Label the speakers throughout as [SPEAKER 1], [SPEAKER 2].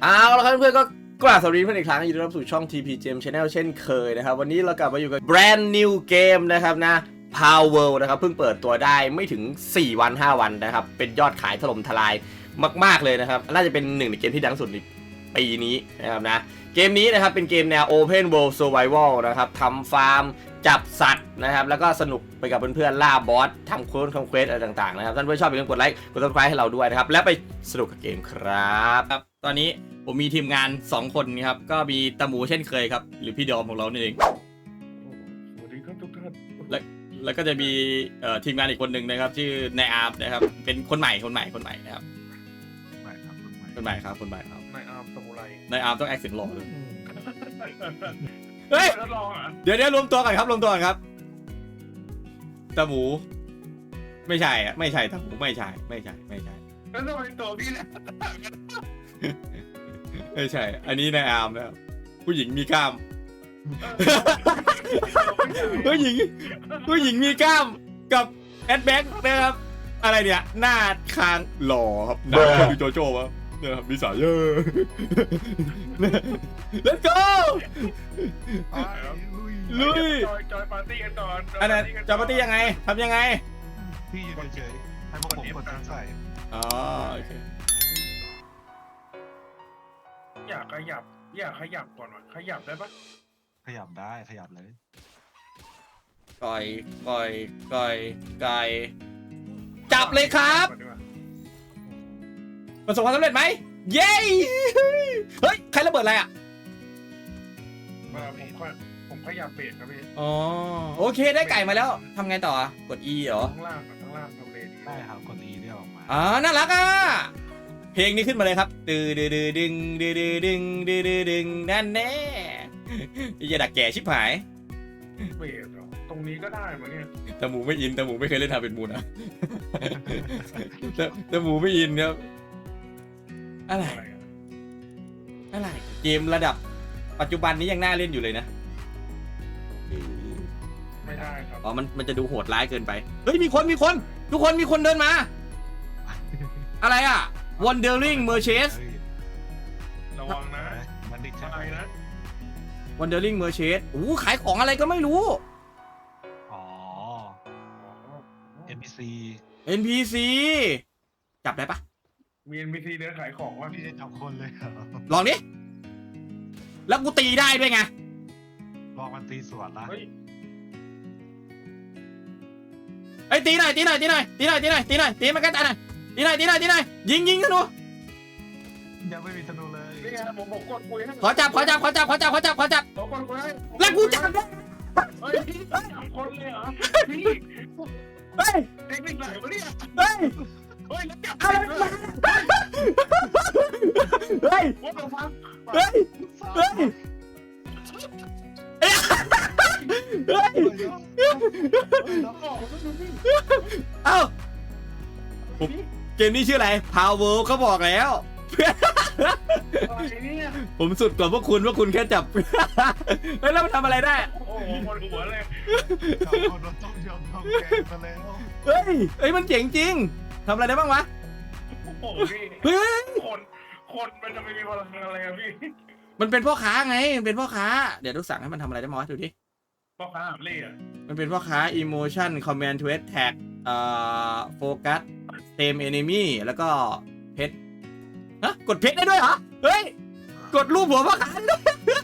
[SPEAKER 1] เอาละครับเพื่อนๆก็กราบสวัสดีเพื่อนอีกครั้งยินดีต้อนรับสู่ช่อง TP Gem Channel เช่นเคยนะครับวันนี้เรากลับมาอยู่กับ Brand New Game นะครับนะ Power World นะครับเพิ่งเปิดตัวได้ไม่ถึง4วัน5วันนะครับเป็นยอดขายถล่มทลายมากๆเลยนะครับน่าจะเป็นหนึ่งในเกมที่ดังสุดในปีนี้นะครับนะเกมนี้นะครับเป็นเกมแนว Open World Survival นะครับทำฟาร์มจับสัตว์นะครับแล้วก็สนุกไปกับเพื่อนๆล่าบอสทำเควสอะไรต่างๆนะครับท่านเพื่อนชอบอย่าลืมกดไลค์กด Subscribe ให้เราด้วยนะครับและไปสนุกกับเกมครับตอนนี้ผมมีทีมงาน2คนครับก็มีตาหมูเช่นเคยครับหรือพี่ดอมของเราเอง
[SPEAKER 2] สวัสดีครับทุกท่าน
[SPEAKER 1] แล้วก็จะมีทีมงานอีกคนหนึ่งนะครับชื่อนายอาร์มนะครับเป็นคนใหม่นะครับ
[SPEAKER 2] ใหม่ครับ
[SPEAKER 1] คนใหม่ครับ
[SPEAKER 2] นายอาร์มซามูไร
[SPEAKER 1] นายอาร์มต้องแอคเสียงหล่อเลยเฮ้ย
[SPEAKER 2] ทดลองอ่ะ
[SPEAKER 1] เดี๋ยวรวมตัวกันครับตาหมูไม่ใช่ตาหมูไม่ใช่
[SPEAKER 2] แล้วทำไมตัวพี่เนี่ย
[SPEAKER 1] ไม่ใช่อันนี้นายอาร์มนะครับผู้หญิงมีกล้ามผู้หญิงมีกล้ามกับแอดแบ็กนะครับอะไรเนี่ยหน้าคางหล่อครับหน้าคนดูโจโจ้วะเนี่ยครับมีสายเยอะ Let's go ลุย
[SPEAKER 2] จอยปาร์ตี้กันก่อน
[SPEAKER 1] อันนั้นจอปาร์ตี้ยังไงทำยังไง
[SPEAKER 3] พี่ยืนเฉยๆให้พวกผมกดตั้งใส่
[SPEAKER 1] อ๋อโอเค
[SPEAKER 2] อยากขยับก่อนวะขยับได้ปะ
[SPEAKER 3] ขยับได้ขยับเลย
[SPEAKER 1] ก่อยจับเลยครับประสบความสำเร็จไหมเย้เฮ้ยใครระเบิดอะไรอ่ะ
[SPEAKER 2] ผมขยับเบรกครับพี่
[SPEAKER 1] อ๋อโอเคได้ไก่มาแล้วทำไงต่อกด E เหรอ
[SPEAKER 2] ข้างล่างทำเลดี
[SPEAKER 3] ได้ครับกดอีเรียกออกมา
[SPEAKER 1] อ๋อน่ารักอ่ะเพลงนี้ขึ้นมาเลยครับดื้อดึงดึงนั่นแน่อย่าดักแก่ชิบหาย
[SPEAKER 2] เบรกเหรอตรงนี้ก็ได้มั้งเนี่ย
[SPEAKER 1] แต่หมูไม่อินแต่หมูไม่เคยเล่นทาเป็นมูนะแต่หมูไม่อินครับอะไรเกมระดับปัจจุบันนี้ยังน่าเล่นอยู่เลยนะ
[SPEAKER 2] ไม่ได้ครับ
[SPEAKER 1] อ๋อมันจะดูโหดร้ายเกินไปเฮ้ยมีคนทุกคนมีคนเดินมาอะไรอ่ะ Wandering Merchant
[SPEAKER 2] ระวังนะ
[SPEAKER 3] มันดิกใช่
[SPEAKER 2] อะ
[SPEAKER 3] ไหม
[SPEAKER 2] ไรนะ
[SPEAKER 1] Wandering Merchant โอ้ขายของอะไรก็ไม่รู้
[SPEAKER 3] อ๋อ NPC
[SPEAKER 1] NPC จับได้ปะ
[SPEAKER 2] มี NPC เดินขายของวะ
[SPEAKER 3] พี่จะจับคนเลยเหรอ
[SPEAKER 1] ลองดิแล้วกูตีได้ด้วยไง
[SPEAKER 3] ลองมันตีสวนนะ
[SPEAKER 2] เฮ้ย
[SPEAKER 1] ไอ้ยตีหน่อยตีมันก็ตายหน่อยตีหน่อยยิงธนู
[SPEAKER 3] ยังไม่มีธนูเลย
[SPEAKER 2] นี่ไงผมกดคุยให้
[SPEAKER 1] ขอจับ
[SPEAKER 2] ผมกดคุยให้
[SPEAKER 1] แล้วกูจับได้
[SPEAKER 2] เฮ้ยพี่จับคนเลยเหรอพี่
[SPEAKER 1] เฮ้ย
[SPEAKER 2] เทคนิคไหนวะเนี่ย
[SPEAKER 1] เฮ้ย
[SPEAKER 2] เฮ้ยแล้วจับ
[SPEAKER 1] อะไรวะเฮ้ย
[SPEAKER 2] ว่าเราฟัง
[SPEAKER 1] เฮ้ยเฮ้ยเอ้าเกมนี้ชื่ออะไร Power เขาบอกแล้ว
[SPEAKER 2] อะไรเนี่ย
[SPEAKER 1] ผมสุดกว่าพวกคุณแค่จับ เฮ้ยแล้วมันทำอะไรได้
[SPEAKER 2] โอ้โหหมดหัวเลย
[SPEAKER 3] จับคนเราต้องยอมทำแกงมาแล้ว
[SPEAKER 1] เฮ้ยมันเจ๋งจริงทำอะไรได้บ้างวะ
[SPEAKER 2] โอ้โหพี่
[SPEAKER 1] เฮ้ย
[SPEAKER 2] คนมันจะไม่มีพลังอะไรอะพี่
[SPEAKER 1] มันเป็นพ่อค้าไงมันเป็นพ่อค้าเดี๋ยวต้องสั่งให้มันทำอะไรได้มั้งวะดูดิ
[SPEAKER 2] พ่อค้าเล่อะ
[SPEAKER 1] มันเป็นพ่อค้า emotion command to attack focus same enemy แล้วก็เพชรฮะกดเพชรได้ด้วยเหรอเฮ้ยกดรูปหัวพ่อค้าได้ด้วย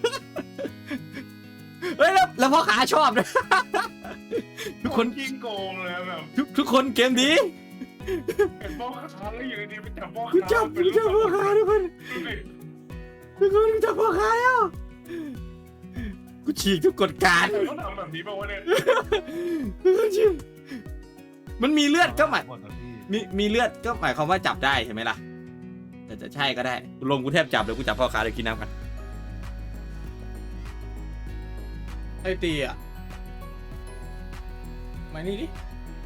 [SPEAKER 1] เฮ้ยแล้วพ่อค้าชอบด้วย ทุกคน
[SPEAKER 2] ยิงโกงเลยแบบ
[SPEAKER 1] ทุกคนเกมดี
[SPEAKER 2] เป็นพ่อค้าแล้วอยู่ดีๆไปจับพ่อ
[SPEAKER 1] กู
[SPEAKER 2] ค้า
[SPEAKER 1] จับพ่อค้าทุกคน
[SPEAKER 2] ดูดิ
[SPEAKER 1] กูจับพ่อค้าแล้วกูฉีกทุกกฎการ
[SPEAKER 2] เขาทำแบบนี้ป่าวะเนี่ย
[SPEAKER 1] มันมีเลือดก็หมาย
[SPEAKER 3] หมดแล้วพี่
[SPEAKER 1] มีเลือดก็หมายความว่าจับได้ใช่ไหมล่ะแต่จะใช่ก็ได้ลงกูแทบจับเลยกูจับพ่อค้าเลยกินน้ำกันไอ้ตีอ่ะมานี่ดิ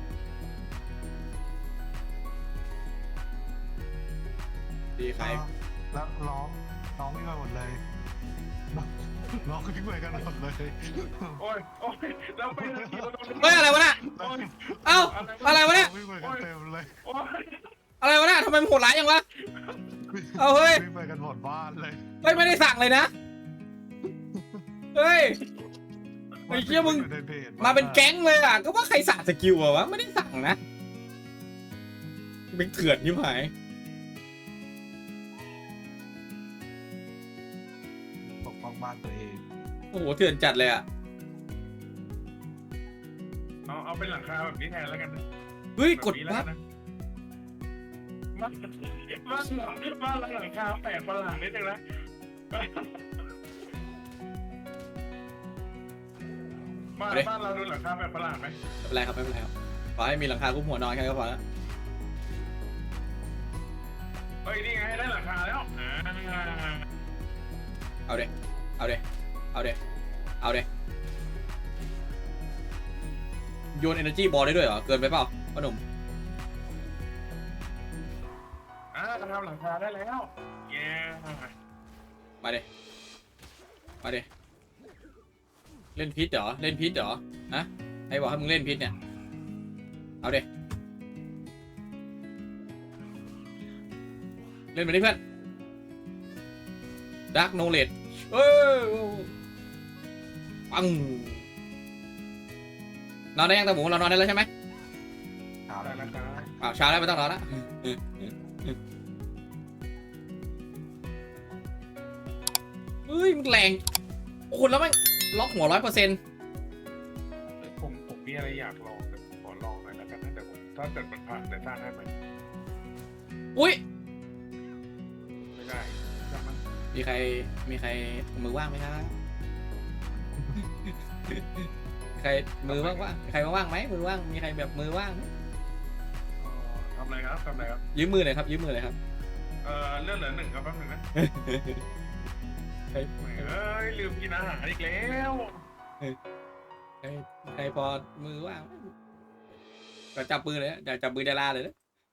[SPEAKER 1] ตีใคร
[SPEAKER 3] แล้วร้องไม่มาหมดเลยร้องก็ทิ้งไปกันหมดเลย
[SPEAKER 2] โอ้ยแล้วไปนาทีเราโดน
[SPEAKER 1] เฮ้ยอะไรวะน่ะเอ้าอะไรวะเนี่ย
[SPEAKER 3] วิ่งไปกันเต็มเลย
[SPEAKER 2] โอ้ย
[SPEAKER 1] อะไรวะน่ะทำไมมันโหดร้ายอย่างวะเอาเฮ้ย
[SPEAKER 3] วิ่งไปกันหมดบ้านเลย
[SPEAKER 1] เฮ้ยไม่ได้สั่งเลยนะเฮ้ย ไอ้เหี้ยมึง
[SPEAKER 3] ในเพจ
[SPEAKER 1] มาเป็นแก๊งเลยอ่ะก็ว่าใครสั่งสกิลอะวะไม่ได้สั่งนะเป็นเถื่อนยิ่งหาย
[SPEAKER 3] ปกป้องบ้านตัวเอง
[SPEAKER 1] โอ้โหเถื่อนจัดเลยอ่ะ
[SPEAKER 2] เอาเป็นหลังคาแบบนี้แทนแล้วกันนะ
[SPEAKER 1] เฮ้ยกด
[SPEAKER 2] แบบนี้
[SPEAKER 1] ปั๊บ
[SPEAKER 2] แล้วนะบ้านเราหลังคาแปลกประหลาดนิดนึงนะบ้านเราดูหลังคาแปลกประหลาดไหม
[SPEAKER 1] ไม่เป็นไรครับไม่เป็นไรครับขอให้มีหลังคาคุ้มหัวนอนแค่นั้นก็พอแล้ว
[SPEAKER 2] เฮ้ยนี่ไงได้หลังคาแล้ว
[SPEAKER 1] เอาเด็เอาเด็เอาเด็เอาเด็โยน energy ball ได้ด้วยเหรอเกินไปเปล่าพ่อหนุ่ม
[SPEAKER 2] เราทำหลังคาได้แล้วเย้
[SPEAKER 1] มาเด็มาเด็เล่นพิษเหรอเล่นพิษเหรอนะใครบอกให้มึงเล่นพิษเนี่ยเอาเด็เล่นไปดิเพื่อน Dark Knowledge ปังนอนได้ยังตาหมูเรานอนได้แล้วใช่ไหม
[SPEAKER 3] ถาม
[SPEAKER 2] ได้แล้วครับ
[SPEAKER 1] อ้าวเช้าแล้วไม่ต้องนอนแล้วเฮ้ยมันแรงโอ้โหแล้วมันล็อกหัว100%
[SPEAKER 2] ผมมีอะไรอยากลองแต่ผมขอลองหน่อยแล้วกันนะแต่ผมถ้าเกิดมันผ่านแต่สร้างได้ไหม
[SPEAKER 1] อุ้ย
[SPEAKER 2] ไม่ได้ใช่ไหม
[SPEAKER 1] มีใครมือว่างไหมครับใครมือว่างๆใครว่างๆไหมมือว่างมีใครแบบมือว่าง
[SPEAKER 2] ทำอะไรครับทำอะไรครับ
[SPEAKER 1] ยืมมือหน่อยครับยืมมือหน่อยครับ
[SPEAKER 2] เลื่อนเหลือ1ครับแป๊บนึงนะ
[SPEAKER 1] ใคร
[SPEAKER 2] เอ้ยลืมกินอาหารอีกแล้ว
[SPEAKER 1] ใครพอมือว่างก็จับมือเลยนะจับมือดาราเลยนะ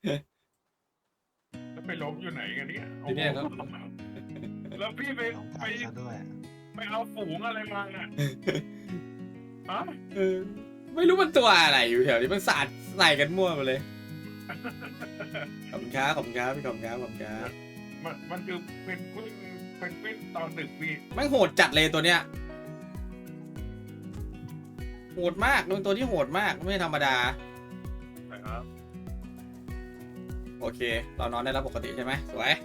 [SPEAKER 2] แล้วไปล้มอยู่ไหนกันเนี่ย
[SPEAKER 1] ที่เนี่ยครับ
[SPEAKER 2] แล้วพี่ไป
[SPEAKER 3] ต้อง
[SPEAKER 2] ไป
[SPEAKER 3] การซะด้วย
[SPEAKER 2] ไปเอาฝูงอะไรมาอ่ะฮะ
[SPEAKER 1] ไม่รู้มันตัวอะไรอยู่แถวนี้มันสาดใส่กันมั่วไปเลยขอบคุณครับขอบคุณครับพี่ขอบคุณครับขอบคุณครับ
[SPEAKER 2] มันคือเป็นกุ้งตอนดึกพี่
[SPEAKER 1] แม่งโหดจัดเลยตัวเนี้ยโหดมากเป็นตัวที่โหดมากไม่ธรรมดา
[SPEAKER 2] นะครับ
[SPEAKER 1] โอเคเรานอนได้แล้วปกติใช่ไหมสวย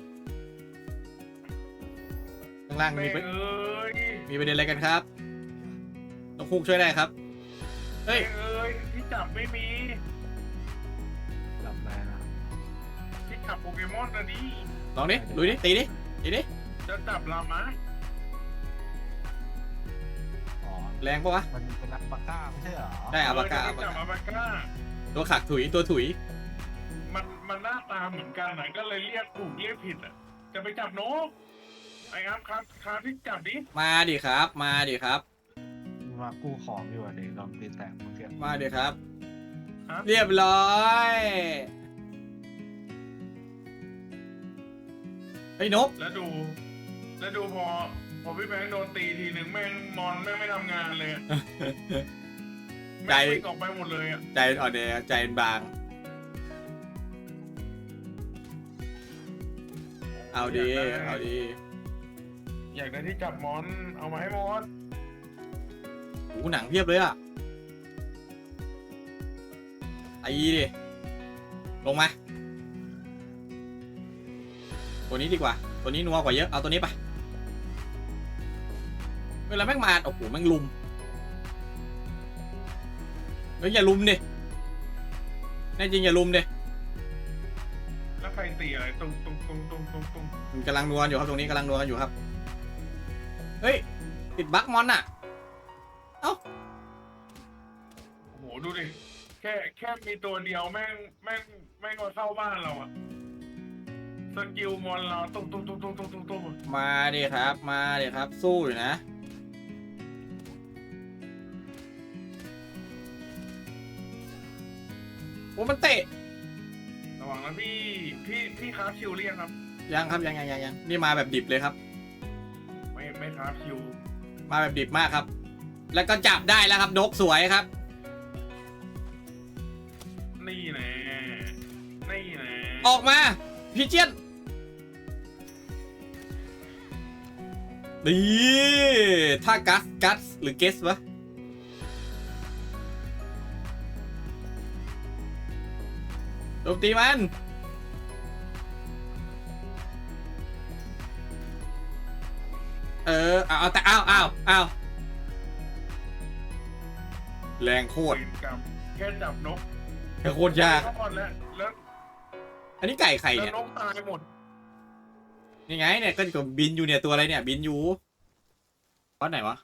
[SPEAKER 1] ข้างล่าง
[SPEAKER 2] แม่
[SPEAKER 1] มี
[SPEAKER 2] เอ้ย
[SPEAKER 1] ประเด็นอะไรกันครับต้องคุกช่วยได้ครับ เฮ้ย
[SPEAKER 2] แม่เอ้ยที่จับไม่มี
[SPEAKER 3] จำได้นะ
[SPEAKER 2] ที่จับโปเกมอนอันนี้
[SPEAKER 1] ลองดิลุยดิตีดิตีดิ
[SPEAKER 2] จะจับลามะ
[SPEAKER 3] อ๋อ
[SPEAKER 1] แรงปะวะ
[SPEAKER 3] มันเป็นนักปากก้าไม่ใช่เหรอ
[SPEAKER 1] ได้อาบากา
[SPEAKER 2] จะจับอาบาก้า
[SPEAKER 1] ตัวขักถุยตัวถุย
[SPEAKER 2] มันหน้าตาเหมือนกันนะก็เลยเรียกถูกเรียกผิดอ่ะจะไปจับนกไอ้ครับที่จับดิ
[SPEAKER 1] มาดิครับมาดิครับ
[SPEAKER 3] มากู้ของอยู่อ่ะเด็กลองตีแตกเมื่อกี้
[SPEAKER 1] มาดิครับ
[SPEAKER 2] ครับ
[SPEAKER 1] เรียบร้อยไอ้ยนก
[SPEAKER 2] แล้วดูพอพี่แบงค์โดนตีทีหนึ่งแม่งมอนแม่งไม่ทำงานเลยอะ
[SPEAKER 1] ใจ
[SPEAKER 2] แม่งวิ่งออกไปหมดเลยอ่ะ
[SPEAKER 1] ใจอ่อนแอใจบาง เอาดีเอาดี
[SPEAKER 2] อยากได้ที่จับมอนเอามาให้มอน
[SPEAKER 1] โอ้หนังเพียบเลยอ่ะไอ้ดิลงมาตัวนี้ดีกว่าตัวนี้นัวกว่าเยอะเอาตัวนี้ไปเวลาแม่งมาโอ้โหแม่งลุมเฮ้ยอย่าลุมดิแน่จริงอย่าลุมดิ
[SPEAKER 2] แล้วใครตีอะไรตุ้ง
[SPEAKER 1] มันกำลังนัวอยู่ครับตรงนี้กำลังนัวกันอยู่ครับเฮ้ยติดบั๊กมอนอ่ะ
[SPEAKER 2] โอ้โหดูดิแค่มีตัวเดียวแม่งมาเข้าบ้านเราอะสกิลมอนเราตุ้ง
[SPEAKER 1] มาดิครับมาดิครับสู้อยู่นะโอ้มันเตะ
[SPEAKER 2] ระวังนะพี่คราฟคิวเรียงครับ
[SPEAKER 1] ยังครับยังนี่มาแบบดิบเลยครับ
[SPEAKER 2] ไม่คราฟคิว
[SPEAKER 1] มาแบบดิบมากครับ แล้วก็จับได้แล้วครับนกสวยครับ
[SPEAKER 2] นี่แน่
[SPEAKER 1] ออกมาพิเจียนถ้ากัสหรือเกสวะโจมตีมันเอาแต่เอาแรงโคตร
[SPEAKER 2] เวรกรรมแค่จับนก
[SPEAKER 1] โคตรยาก
[SPEAKER 2] ก่อนแล้ว
[SPEAKER 1] อันนี้ไก่ไข่
[SPEAKER 2] แล้ว
[SPEAKER 1] เนี่ย
[SPEAKER 2] นกตายหมด
[SPEAKER 1] ยังไงเนี่ยก็บินอยู่เนี่ยตัวอะไรเนี่ยบินอยู่วัดไหนวะ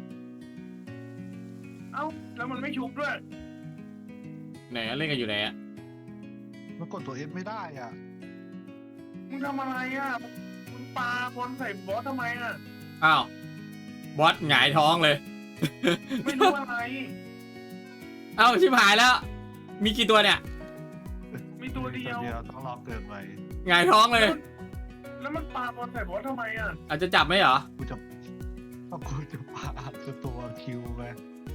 [SPEAKER 2] เอ้าแล้วมันไม่ชุบด้วย
[SPEAKER 1] ไหนอะเล่นกันอยู่ไหนอะ
[SPEAKER 3] มันกดตัว F ไม่ได้อ่ะ
[SPEAKER 2] มึงทำอะไรอ่ะมึงปาบอลใส่บอสทำไมอ่ะ
[SPEAKER 1] อ้าวบอสหงายท้องเลย
[SPEAKER 2] ไม่รู้อะไร
[SPEAKER 1] เอ้าชิบหายแล้ว มีกี่ตัวเนี่ย
[SPEAKER 2] มีตัวเดียว
[SPEAKER 3] ต้องรอเกิดใหม่
[SPEAKER 1] หงายท้องเลย
[SPEAKER 2] แล้วมันปาบอลใส่บอสทำไมอ่ะ
[SPEAKER 1] อาจจะจับไหมเหรอ
[SPEAKER 3] กูจะปาจะตัวคิวไป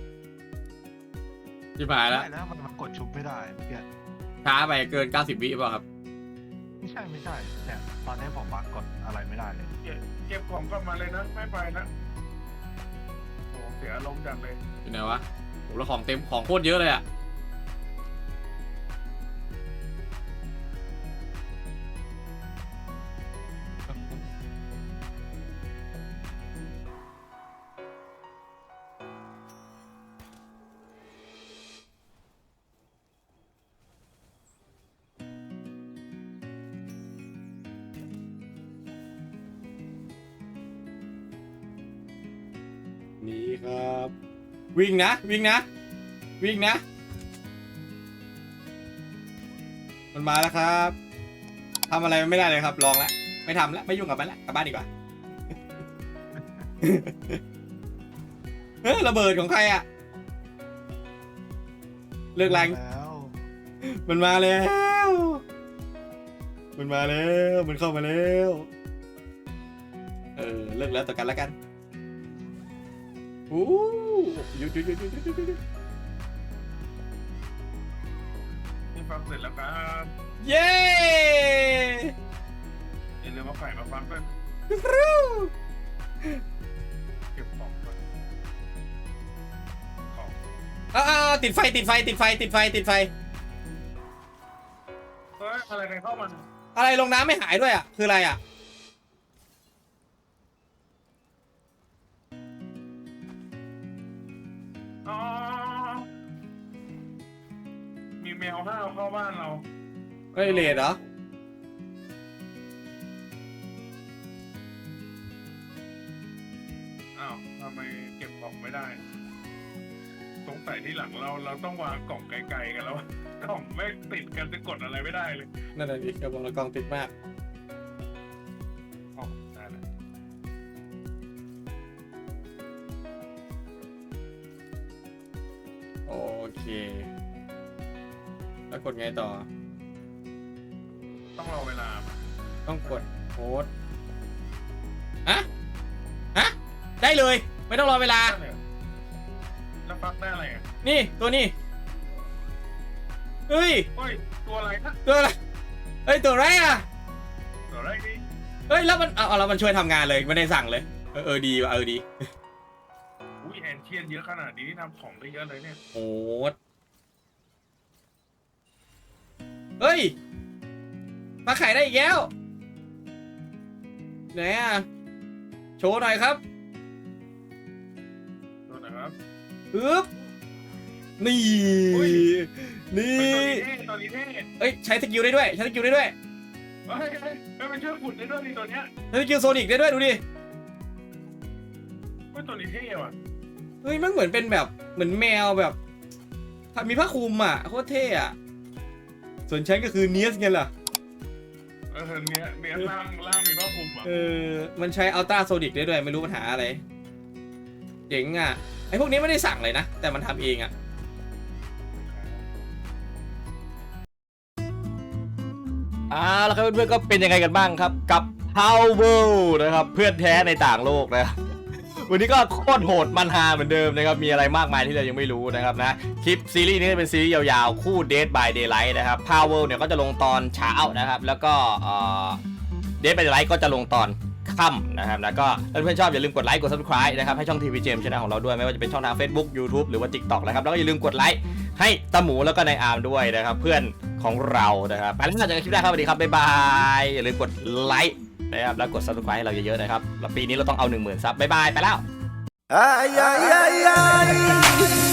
[SPEAKER 1] ชิบหายแล้ว
[SPEAKER 3] ได้แล้วมันกดชุบไม่ได้เมื่อกี้
[SPEAKER 1] ช้าไปเกิน 90 วิเปล่าครับ
[SPEAKER 3] ไม่ใช่เนี่ยตอนนี้ผมบักกดอะไรไม่ได้เลย
[SPEAKER 2] เก็บของกลับมาเลยนะไม่ไปนะโอ้เสียอารมณ์จังเลย
[SPEAKER 1] อยู่ไหนวะโหแล้วของเต็มของโคตรเยอะเลยอะนี่ครับ วิ่งนะ มันมาแล้วครับทำอะไรมันไม่ได้เลยครับลองแล้วไม่ทำแล้วไม่ยุ่งกับมันแล้วกลับบ้านดีกว่า ระเบิดของใครอะเลิกแรง
[SPEAKER 3] แล้ว
[SPEAKER 1] มันมาแล้วมันเข้ามาแล้วเลิกแล้วต่อกันแล้วกันหยุด
[SPEAKER 2] นี่ฟังเสร็จแล้วครับ
[SPEAKER 1] เย้
[SPEAKER 2] อย่าลืมมาไข่มาฟังด้วยเก็บของก่อนของ
[SPEAKER 1] ติดไฟ
[SPEAKER 2] เฮ้ยอะไรกันเข้ามา
[SPEAKER 1] อะไรลงน้ำไม่หายด้วยอ่ะคืออะไรอ่ะ
[SPEAKER 2] อ๋อมีแมวห้าวเข้าบ้านเรา
[SPEAKER 1] เฮ้ยเลดเหรอ
[SPEAKER 2] อ้าวทำไมเก็บของไม่ได้สงสัยที่หลังเราต้องวางกล่องไกลๆกันแล้วกล่องไม่ติดกันจะกดอะไรไม่ได้เลย
[SPEAKER 1] นั่นแหละดิกระบอกละกองติดมาก
[SPEAKER 2] อ๋อได้แล้ว
[SPEAKER 1] โอเคแล้วกดไงต่อ
[SPEAKER 2] ต้องรอเวลา
[SPEAKER 1] ต้องกดโพสต์ฮะได้เลยไม่ต้องรอเวลา
[SPEAKER 2] ได้เลยแล้วฟักได้อะไรอ่ะ
[SPEAKER 1] นี่ตัวนี้เฮ้ย
[SPEAKER 2] เฮ้ยตัวอะไรนะ
[SPEAKER 1] ตัวอะไรเฮ้ยตัวอะไรอ่ะ
[SPEAKER 2] ตัวอะไรดี
[SPEAKER 1] เฮ้ยแล้วมันเอาแล้วมันช่วยทำงานเลยไม่ได้สั่งเลยดีว่ะดี
[SPEAKER 2] อุ้ยแอนเชียนเยอะขนาดนี้ทำของได้เยอะเลยเนี่ย
[SPEAKER 1] โอ้เฮ้ยมาขายได้อีกแล้วไหนอ่ะโชว์หน่อยครับ
[SPEAKER 2] ตัวไหนครับ
[SPEAKER 1] ปึ๊บนี่
[SPEAKER 2] อุ้ย
[SPEAKER 1] นี่
[SPEAKER 2] เฮ้ยตัวนี้เท่
[SPEAKER 1] เอ้ยใช้สกิลได้ด้วย
[SPEAKER 2] เฮ้ยมันช่วยขุดได้ด้วยนี่ตัวเนี้ย
[SPEAKER 1] ใช้สกิลโซนิกได้ด้วยดูดิ
[SPEAKER 2] เฮ้ยตัวนี้เท่ว่ะ
[SPEAKER 1] เฮ้ยมันเหมือนเป็นแบบเหมือนแมวแบบมีผ้าคลุมอ่ะโคตรเท่อะส่วนฉันก็คือเนียสไงล่ะ
[SPEAKER 2] เนี่ยล่างมีผ้าคลุมอ่ะ
[SPEAKER 1] มันใช้อัลตราโซนิกได้ด้วยไม่รู้ปัญหาอะไรเจ๋งอ่ะไอพวกนี้ไม่ได้สั่งเลยนะแต่มันทำเองอ่ะแล้วครับเพื่อนๆก็เป็นยังไงกันบ้างครับกับ Power นะครับเพื่อนแท้ในต่างโลกนะครับ วันนี้ก็โคตรโหดมันฮาเหมือนเดิมนะครับมีอะไรมากมายที่เรายังไม่รู้นะครับนะคลิปซีรีส์นี้เป็นซีรีส์ยาวๆคู่ Dead by Daylight นะครับ Power เนี่ยก็จะลงตอนเช้านะครับแล้วก็Dead by Daylight ก็จะลงตอนค่ำนะครับแล้วก็ถ้าเพื่อนๆชอบอย่าลืมกดไลค์กด subscribe นะครับให้ช่อง TPGM Channel ของเราด้วยไม่ว่าจะเป็นช่องทาง Facebook YouTube หรือว่า TikTok นะครับแล้วก็อย่าลืมกดไลค์ให้ตาหมูแล้วก็นายอาร์มด้วยนะครับเพื่อนของเรานะครับไปแล้วเจอกันคลิปหน้าครับสวัสดีครับบ๊ายบายอย่าลืมกดไลค์นะครับแล้วกด subscribe ให้เราเยอะๆนะครับแล้วปีนี้เราต้องเอา 10,000 ซับบ๊ายบายไปแล้ว